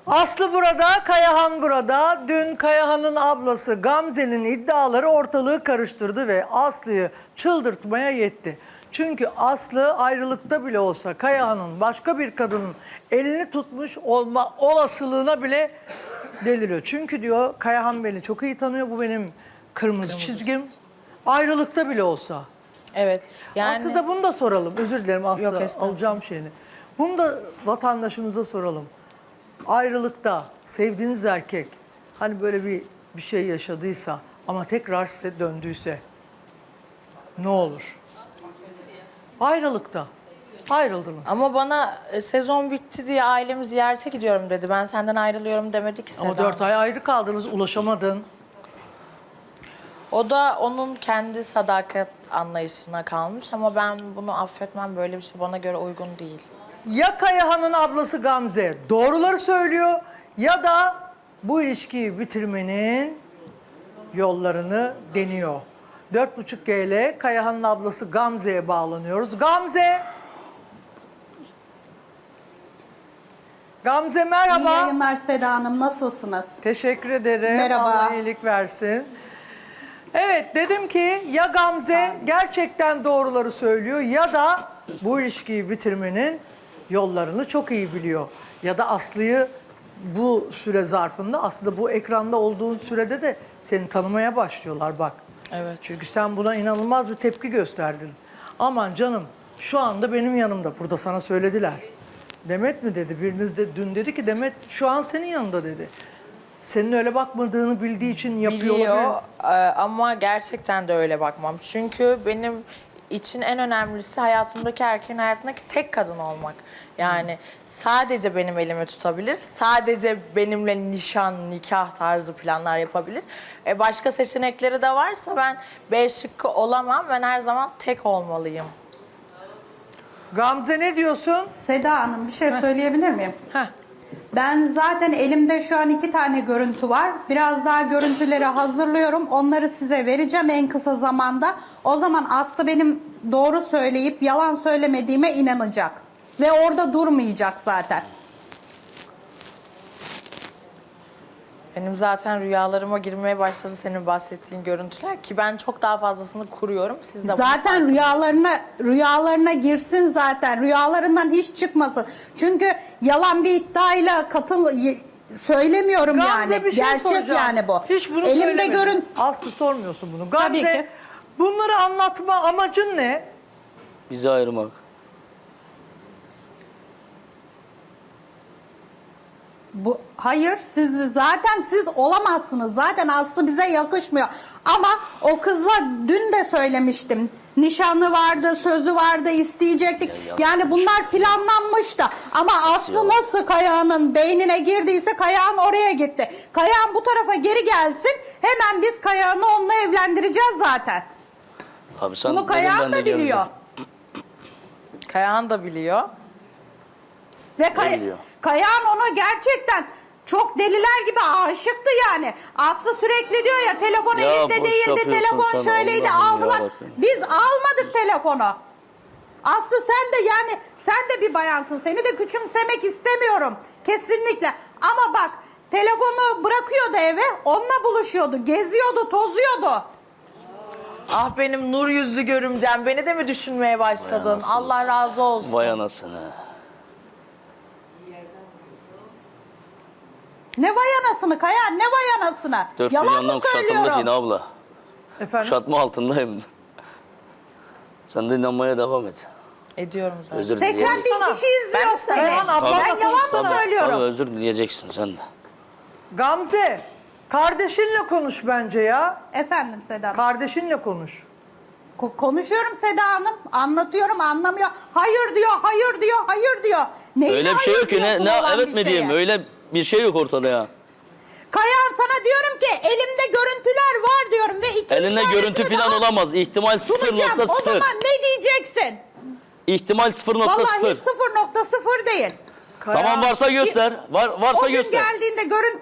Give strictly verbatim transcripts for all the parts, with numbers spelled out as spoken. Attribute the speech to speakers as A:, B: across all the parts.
A: Aslı burada, Kayahan burada. Dün Kayahan'ın ablası Gamze'nin iddiaları ortalığı karıştırdı ve Aslı'yı çıldırtmaya yetti. Çünkü Aslı ayrılıkta bile olsa Kayahan'ın başka bir kadının elini tutmuş olma olasılığına bile deliriyor. Çünkü diyor Kayahan beni çok iyi tanıyor, bu benim kırmızı, kırmızı çizgim. Çizgi. Ayrılıkta bile olsa.
B: Evet. Yani...
A: Aslı da bunu da soralım. Özür dilerim Aslı,
B: Yok,
A: alacağım şeyini. Bunu da vatandaşımıza soralım. Ayrılıkta sevdiğiniz erkek hani böyle bir bir şey yaşadıysa ama tekrar size döndüyse ne olur? Ayrılıkta ayrıldınız.
B: Ama bana e, sezon bitti diye ailemi ziyarete gidiyorum dedi. Ben senden ayrılıyorum demedi ki Seda.
A: Ama dört ay ayrı kaldınız, ulaşamadın.
B: O da onun kendi sadakat anlayışına kalmış ama ben bunu affetmem, böyle bir şey bana göre uygun değil.
A: Ya Kayahan'ın ablası Gamze doğruları söylüyor ya da bu ilişkiyi bitirmenin yollarını deniyor. Dört buçuk G ile Kayahan'ın ablası Gamze'ye bağlanıyoruz. Gamze! Gamze merhaba.
C: İyi yayınlar Seda Hanım. Nasılsınız?
A: Teşekkür ederim.
C: Merhaba.
A: Allah iyilik versin. Evet, dedim ki ya Gamze gerçekten doğruları söylüyor ya da bu ilişkiyi bitirmenin yollarını çok iyi biliyor. Ya da Aslı'yı bu süre zarfında, aslında bu ekranda olduğun sürede de seni tanımaya başlıyorlar bak.
B: Evet.
A: Çünkü sen buna inanılmaz bir tepki gösterdin. Aman canım, şu anda benim yanımda, burada sana söylediler. Demet mi dedi, biriniz de dün dedi ki Demet şu an senin yanında dedi. Senin öyle bakmadığını bildiği için yapıyor.
B: Biliyor e, ama gerçekten de öyle bakmam. Çünkü benim için en önemlisi hayatımdaki erkeğin hayatındaki tek kadın olmak. Yani sadece benim elimi tutabilir, sadece benimle nişan, nikah tarzı planlar yapabilir. E başka seçenekleri de varsa ben B şıkkı olamam. Ben her zaman tek olmalıyım.
A: Gamze ne diyorsun?
C: Seda Hanım bir şey söyleyebilir miyim?
A: Heh.
C: Ben zaten elimde şu an iki tane görüntü var. Biraz daha görüntüleri hazırlıyorum. Onları size vereceğim en kısa zamanda. O zaman Aslı benim doğru söyleyip yalan söylemediğime inanacak. Ve orada durmayacak zaten.
B: Benim zaten rüyalarıma girmeye başladı senin bahsettiğin görüntüler ki ben çok daha fazlasını kuruyorum. Siz de bunu
C: Zaten
B: farkındasınız.
C: rüyalarına rüyalarına girsin zaten. Rüyalarından hiç çıkmasın. Çünkü yalan bir iddiayla katıl söylemiyorum
A: Gamze
C: yani.
A: bir şey
C: Gerçek
A: soracağım.
C: yani bu.
A: Hiç bunu
C: Elimde
A: söylemedin.
C: görün.
A: Aslı sormuyorsun bunu.
C: Tabii
A: Gamze
C: ki.
A: bunları anlatma amacın ne?
D: Bizi ayırmak.
C: Bu, hayır siz zaten siz olamazsınız. Zaten Aslı bize yakışmıyor. Ama o kızla dün de söylemiştim. Nişanı vardı, sözü vardı, isteyecektik.
D: Ya, ya.
C: Yani bunlar planlanmıştı. Ama Aslı nasıl Kayağan'ın beynine girdiyse Kayağan oraya gitti. Kayağan bu tarafa geri gelsin. Hemen biz Kayağan'ı onunla evlendireceğiz zaten.
D: Abi sen
C: Bunu
D: dedin,
C: Kayağan
D: ben de
C: da biliyor.
D: geleceğim.
B: Kayahan da biliyor.
C: Ve Kay
D: biliyor?
C: Kayağan ona gerçekten çok deliler gibi aşıktı yani. Aslı sürekli diyor ya telefon
D: Ya
C: elinde
D: boş
C: değildi,
D: yapıyorsun
C: telefon
D: sen,
C: şöyleydi,
D: Allah'ım
C: aldılar.
D: yarabbim.
C: Biz almadık telefonu. Aslı sen de yani sen de bir bayansın. Seni de küçümsemek istemiyorum. Kesinlikle. Ama bak telefonu bırakıyordu eve, onunla buluşuyordu, geziyordu, tozuyordu.
B: Ah benim nur yüzlü görümcem, beni de mi düşünmeye başladın?
D: anasınız.
B: Allah razı olsun.
D: Vay anasını.
C: Ne vay anasını Kaya, ne vay anasını.
D: Dört
C: Yalan mı
D: milyondan kuşatıldı
C: söylüyorum?
D: Cine abla.
A: Efendim?
D: Kuşatma altındayım. Sen de inanmaya devam et.
B: Ediyorum zaten.
D: Özür
C: seksen
D: dileyeceksin.
C: bin kişi izliyor
B: Ben-
C: seni.
A: Kayhan ablanla
C: Ben yalan mı
A: konuşsana.
C: söylüyorum?
D: Tabii özür dileyeceksin sen de.
A: Gamze kardeşinle konuş bence ya.
C: Efendim Seda Hanım.
A: Kardeşinle konuş.
C: Ko- Konuşuyorum Seda Hanım. Anlatıyorum anlamıyor. Hayır diyor, hayır diyor, hayır diyor. Neyine
D: Öyle bir şey
C: hayır
D: yok ki. Ne,
C: diyorsun
D: ne
C: olan
D: evet
C: bir
D: mi diyeyim?
C: şeye?
D: Öyle bir şey yok ortada ya.
C: Kayahan sana diyorum ki elimde görüntüler var diyorum ve iki
D: Elinde
C: üç
D: görüntü
C: tanesini
D: falan
C: daha
D: olamaz. İhtimal sıfır
C: sunacağım.
D: nokta
C: O
D: sıfır.
C: zaman ne diyeceksin?
D: İhtimal sıfır nokta
C: Vallahi
D: sıfır.
C: sıfır nokta sıfır değil.
D: Tamam varsa göster. Var, varsa
C: O gün
D: göster.
C: geldiğinde görün...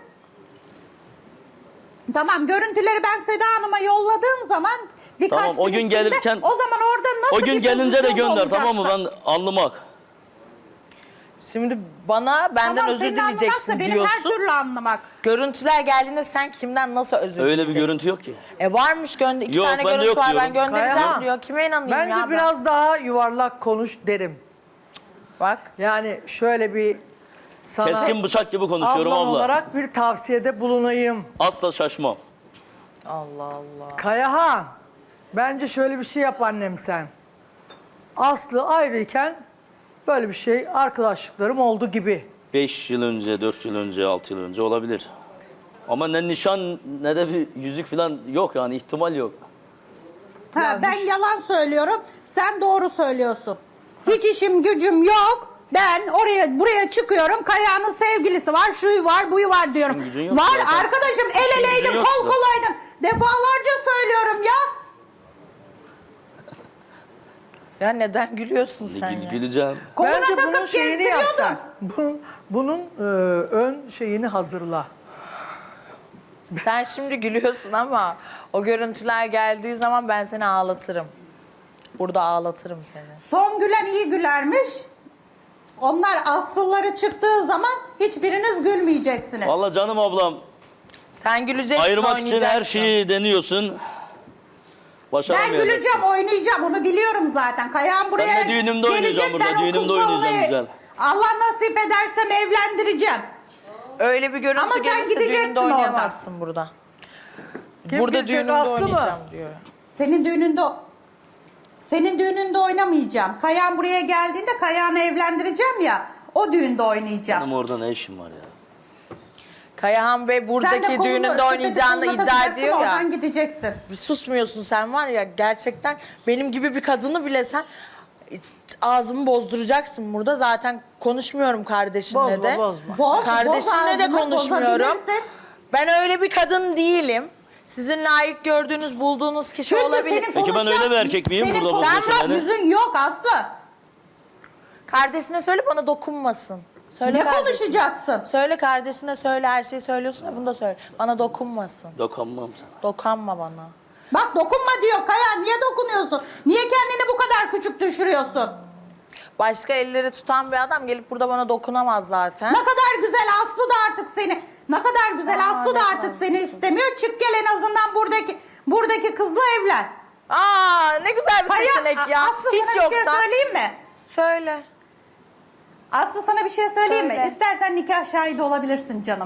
C: Tamam görüntüleri ben Seda Hanım'a yolladığım zaman birkaç
D: Tamam, o
C: gün
D: gün
C: içinde,
D: gelirken-
C: o zaman orada nasıl
D: O gün
C: bir
D: gelince de
C: pozisyonda
D: gönder tamam mı?
C: olacaksın?
D: Ben anlamak.
B: Şimdi bana benden
C: Tamam,
B: özür
C: senin
B: dileyeceksin
C: anlamaksa benim her
B: diyorsun.
C: türlü anlamak.
B: Görüntüler geldiğinde sen kimden nasıl özür
D: Öyle bir
B: dileyeceksin?
D: görüntü yok ki.
B: E varmış gönder iki
D: Yok,
B: tane
D: bende
B: görüntü
D: yok
B: var ben
D: diyorum.
B: göndereceğim
A: Kayahan,
B: diyor. Kime inanayım
A: Bence
B: ya ben?
A: biraz daha yuvarlak konuş derim.
B: Bak.
A: Yani şöyle bir sana
D: Keskin bıçak gibi konuşuyorum
A: ablam
D: abla.
A: olarak bir tavsiyede bulunayım.
D: Asla şaşmam.
B: Allah Allah.
A: Kayahan, bence şöyle bir şey yap annem sen. Aslı ayrıyken böyle bir şey arkadaşlıklarım oldu gibi.
D: Beş yıl önce, dört yıl önce, altı yıl önce olabilir. Ama ne nişan ne de bir yüzük falan yok yani ihtimal yok.
C: Ha, ben yalan söylüyorum, sen doğru söylüyorsun. Hiç işim gücüm yok. Ben oraya buraya çıkıyorum. Kaya'nın sevgilisi var, şuyu var, buyu var diyorum.
D: İşin gücün yok
C: Var
D: zaten.
C: arkadaşım, el
D: İşin
C: eleydin,
D: gücün yok
C: kol
D: zaten.
C: kolaydın. Defalarca söylüyorum ya.
B: Ya neden gülüyorsun sen
D: Gül,
B: ya?
D: güleceğim.
C: Koluna
A: Bence bunun
C: takıp
A: şeyini yapsan.
C: gezdiriyordun.
A: Bunun, bunun e, ön şeyini hazırla.
B: Sen şimdi gülüyorsun ama o görüntüler geldiği zaman ben seni ağlatırım. Burada ağlatırım seni.
C: Son gülen iyi gülermiş. Onlar asılları çıktığı zaman hiçbiriniz gülmeyeceksiniz.
D: Vallahi canım ablam
B: Sen güleceksin,
D: ayırmak için
B: oynayacaksın.
D: her şeyi deniyorsun.
C: Ben
D: Başaramayacaksın.
C: güleceğim, oynayacağım. Onu biliyorum zaten. Kayağım buraya
D: Ben de düğünümde
C: gelecek.
D: oynayacağım burada,
C: Ben o
D: düğünümde
C: kızla
D: oynayacağım
C: onu-
D: güzel.
C: Allah nasip edersem evlendireceğim.
B: Öyle bir görüntü
C: Ama sen
B: gelirse
C: gideceksin
B: düğünde oynayamazsın burada.
A: Kim
B: burada
A: gidecek,
B: düğünümde
A: Aslı mı?
B: oynayacağım diyor.
C: Senin düğününde senin düğününde oynamayacağım. Kayağım buraya geldiğinde Kayağını evlendireceğim ya. O düğünde oynayacağım.
D: Benim orada ne işim var ya?
B: Kayahan Bey
C: Sen de
B: buradaki
C: kolunu-
B: düğününde
C: sepeti
B: oynayacağını
C: koluna
B: iddia
C: takacaksın,
B: ediyor ya.
C: Oradan gideceksin.
B: Bir susmuyorsun sen var ya gerçekten benim gibi bir kadını bile sen ağzımı bozduracaksın burada. Zaten konuşmuyorum kardeşimle
A: Bozma,
B: de.
A: bozma.
C: Boz,
B: Kardeşimle de
C: boz ağzını,
B: konuşmuyorum.
C: bozabilirsin.
B: Ben öyle bir kadın değilim. Sizin layık gördüğünüz, bulduğunuz kişi
C: Çünkü
B: olabilir.
C: senin
D: Peki ben
C: konuşan-
D: öyle bir erkek miyim?
C: senin
D: Burada
C: konuşan
D: bozuyorsun beni.
C: yüzün yok Aslı.
B: Kardeşine söyle bana dokunmasın. Söyle
C: Ne
B: kardeşine.
C: konuşacaksın?
B: Söyle kardeşine söyle her şeyi söylüyorsun ya bunu da söyle. Bana dokunmasın.
D: Dokunmam sana.
B: Dokanma bana.
C: Bak dokunma diyor Kaya. Niye dokunuyorsun? Niye kendini bu kadar küçük düşürüyorsun?
B: Başka elleri tutan bir adam gelip burada bana dokunamaz zaten.
C: Ne kadar güzel Aslı da artık seni. Ne kadar güzel
B: Aa,
C: Aslı da
B: ne
C: artık
B: kadar
C: seni istemiyor. Çık gel en azından buradaki buradaki kızla evlen.
B: Aa ne güzel bir
C: Kaya,
B: seçenek ya.
C: Aslı
B: Hiç
C: sana bir şey
B: yoktan.
C: söyleyeyim mi?
B: Söyle.
C: Aslı sana bir şey söyleyeyim
B: Söyle.
C: mi? İstersen nikah şahidi olabilirsin canım.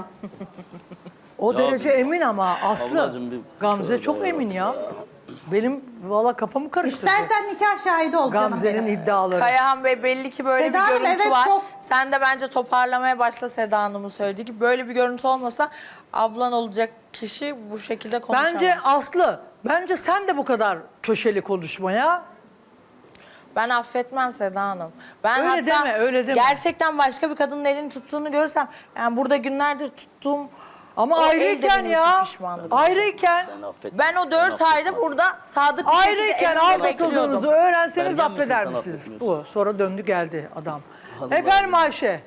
A: O
D: Ya
A: derece emin ama Aslı.
D: ablacığım bir-
A: Gamze
D: Tövbe
A: çok
D: ya.
A: emin ya. Benim valla kafamı karıştırdı.
C: İstersen nikah şahidi ol canım
A: Gamze'nin
C: benim.
A: iddiaları.
B: Kayahan Bey belli ki böyle
C: Seda
B: bir
C: Hanım,
B: görüntü
C: evet,
B: var.
C: çok-
B: Sen de bence toparlamaya başla Seda Hanım'ın söylediği gibi. Böyle bir görüntü olmasa ablan olacak kişi bu şekilde konuşamaz.
A: Bence Aslı, bence sen de bu kadar köşeli konuşmaya.
B: Ben affetmem Seda Hanım. Ben
A: Öyle
B: hatta
A: deme, öyle deme.
B: gerçekten başka bir kadının elini tuttuğunu görsem, yani burada günlerdir tuttuğum
A: Ama
B: o el de
A: ayrıyken
B: benim
A: ya,
B: için pişmanlık.
A: ayrıyken,
D: Ben affetmem.
B: Ben o dört
D: affetmem.
B: ayda burada sadık bir şekilde
A: ayrıyken
B: evimde
A: aldatıldığınızı
B: bekliyordum.
A: öğrenseniz
D: Sergen misin
A: affeder
D: sen
A: misiniz?
D: affetmiyorsun?
A: Bu, sonra döndü geldi adam.
D: Allah
A: Efendim
D: Allah.
A: Ayşe.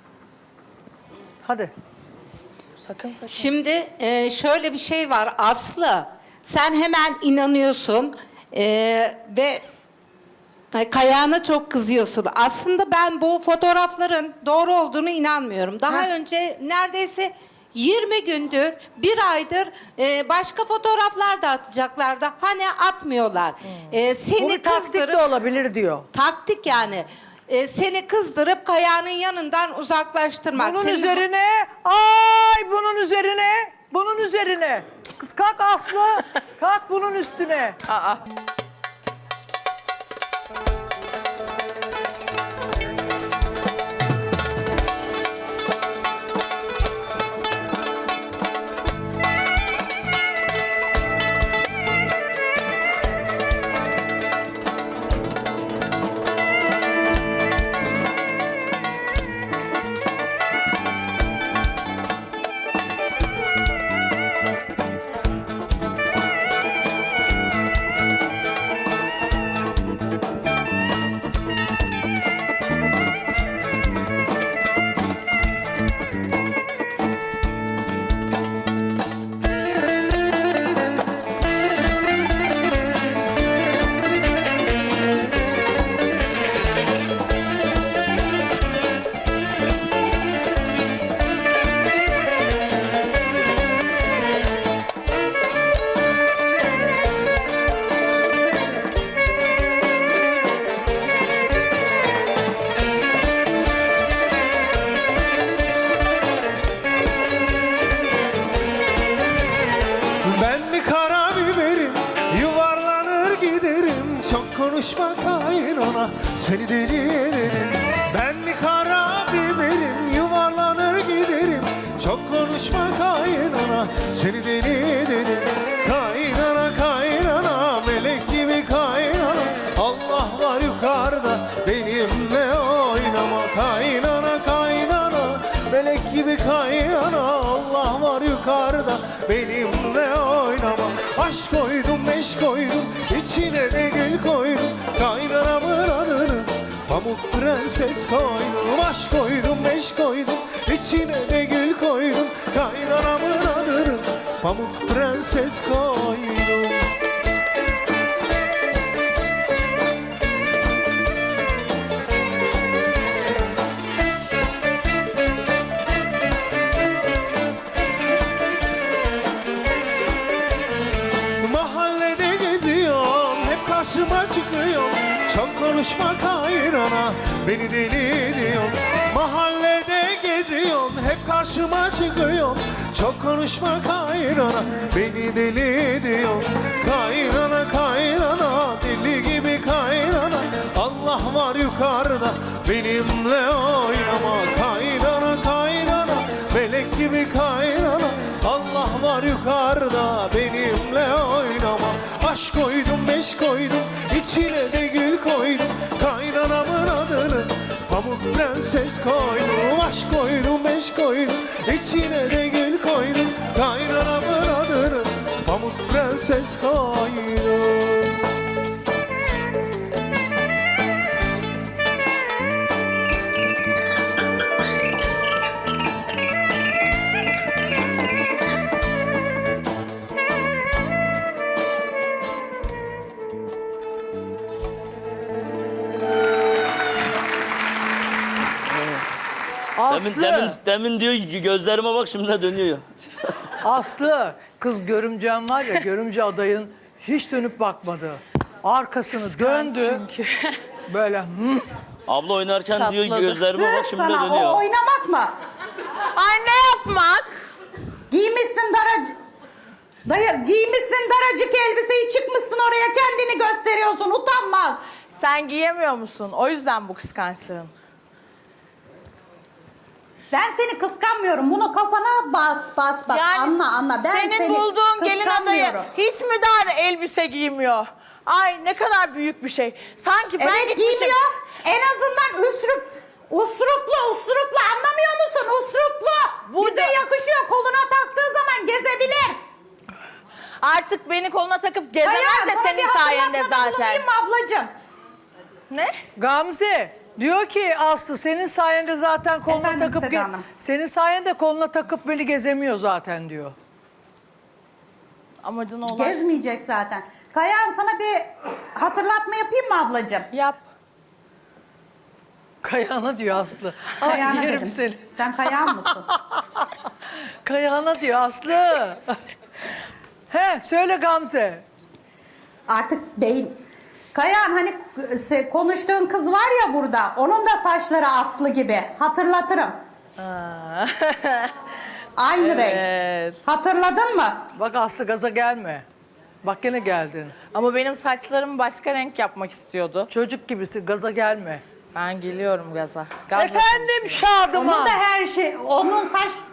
A: Hadi.
B: Sakın sakın.
E: Şimdi e, şöyle bir şey var Aslı. Sen hemen inanıyorsun e, ve e, Kayağına çok kızıyorsun. Aslında ben bu fotoğrafların doğru olduğunu inanmıyorum. Daha
A: Heh.
E: önce neredeyse yirmi gündür, bir aydır e, başka fotoğraflar da atacaklardı. Hani atmıyorlar. E,
A: Bu
E: seni
A: bir taktik
E: kızdırıp
A: de olabilir diyor.
E: taktik yani. E, seni kızdırıp Kayağının yanından uzaklaştırmak.
A: Bunun
E: Senin-
A: üzerine, ay bunun üzerine, bunun üzerine. Kız kalk Aslı, kalk bunun üstüne.
B: Aa.
F: konuşma kaynana, seni deli ederim. Ben bir kara biberim, yuvarlanır giderim. Çok konuşma kaynana, seni deli ederim. Kaynana kaynana, melek gibi kaynana. Allah var yukarıda, benimle oynama. Kaynana kaynana, melek gibi kaynana. Allah var yukarıda, benimle oynama. Aşk koydum, meş koydum, içine de gül koydum. Kaynanamın adını Pamuk Prenses koydum. Aşk koydum, meş koydum, içine de gül koydum. Kaynanamın adını Pamuk Prenses koydum. Mahallede geziyorum, hep karşıma çıkıyor. Çok konuşma kaynana, beni deli ediyor. Mahallede geziyorum, hep karşıma çıkıyor. Çok konuşma kaynana, beni deli ediyor. Kaynana kaynana, deli gibi kaynana. Allah var yukarıda, benimle oynama. Kaynana kaynana, melek gibi kaynana. Allah var yukarıda, benimle oynama. Aşk koydum, beş koydum, içine de gül koydum. Kaynanamın adını Pamuk Prenses koydum. Aşk koydum, beş koydum, içine de gül koydum. Kaynanamın adını Pamuk Prenses koydum.
A: Aslı,
D: Demin, demin, demin diyor ki gözlerime bak, şimdi de dönüyor.
A: Aslı, kız görümcen var ya, görümce adayın hiç dönüp bakmadı. Arkasını döndü.
B: Çünkü.
A: Böyle hmm.
D: Abla oynarken diyor
B: Çatladı.
D: gözlerime bak,
C: Kız
D: şimdi de
C: sana
D: dönüyor.
C: o oynamak mı?
B: Ay ne yapmak?
C: Giymişsin daracık. Dayı giymişsin daracık elbiseyi, çıkmışsın oraya kendini gösteriyorsun, utanmaz.
B: Sen giyemiyor musun? O yüzden bu kıskançlığın.
C: Ben seni kıskanmıyorum. Bunu kafana bas bas bas. Anla anla. Ben
B: senin
C: seni
B: bulduğun gelin adayı
C: kıskanmıyorum.
B: hiç mi dar elbise giymiyor? Ay ne kadar büyük bir şey. Sanki ben
C: Evet
B: gitmişim.
C: giymiyor. En azından üsrup, usruplu usruplu anlamıyor musun? Usruplu.
B: Bu
C: Bize
B: da-
C: yakışıyor. Koluna taktığı zaman gezebilir.
B: Artık beni koluna takıp gezemez
C: Hayır,
B: de
C: sana
B: senin
C: bir
B: sayende
C: hatırlatmada
B: zaten.
C: bulunayım mı ablacığım?
B: Ne?
A: Gamze diyor ki Aslı senin sayende zaten koluna
C: Efendim
A: takıp
C: Seda
A: ge-
C: Hanım.
A: senin sayende koluna takıp beni gezemiyor zaten diyor.
B: Amacına ulaş.
C: Gezmeyecek zaten. Kayan sana bir hatırlatma yapayım mı ablacığım?
B: Yap.
A: Kayağına diyor Aslı. Ay
C: Kayağına
A: yerim
C: dedim.
A: seni.
C: Sen kayan mısın?
A: Kayağına diyor Aslı. He söyle Gamze.
C: Artık beyin. Kayan hani se- konuştuğun kız var ya burada. Onun da saçları Aslı gibi. Hatırlatırım. Aynı
B: Evet.
C: renk. Hatırladın mı?
A: Bak Aslı gaza gelme. Bak gene geldin.
B: Ama benim saçlarımı başka renk yapmak istiyordu.
A: Çocuk gibisin gaza gelme.
B: Ben geliyorum gaza. Gazla
A: Efendim
B: konuşuyorum.
A: Şadıman.
C: Onun da her şey, onun saç